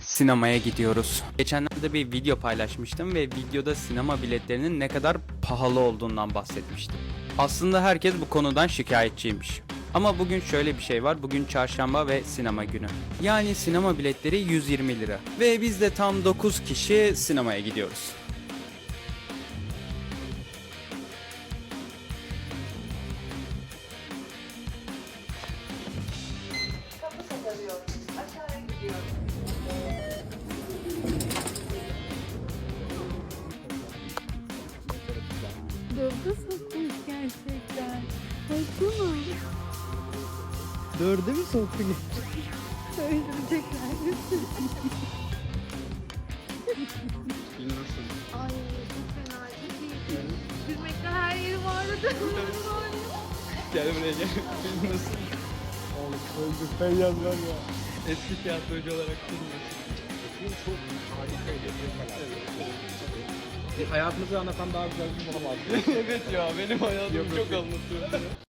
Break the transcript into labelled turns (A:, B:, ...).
A: sinemaya gidiyoruz. Geçenlerde bir video paylaşmıştım ve videoda sinema biletlerinin ne kadar pahalı olduğundan bahsetmiştim. Aslında herkes bu konudan şikayetçiymiş. Ama bugün şöyle bir şey var. Bugün çarşamba ve sinema günü. Yani sinema biletleri 120 lira. Ve biz de tam 9 kişi sinemaya gidiyoruz.
B: Kapı satarıyorum. Aşağıya gidiyorum.
C: Dörde sokmuş gerçekten. Baksana.
D: Dörde mi soktu?
C: Öldürecekler. Ay çok fena. Çok iyi. Gülmekten her yerim ağrıdı.
D: Gel buraya gel. Nasıl? Oğlum öldük. Feyyaz var ya. Eski tiyatrocu olarak bilmiyorsun. Çok harikaydı. Evet. Hayatımızı anlatan daha güzel bir film olamaz. Evet ya benim hayatımı çok anlatıyor.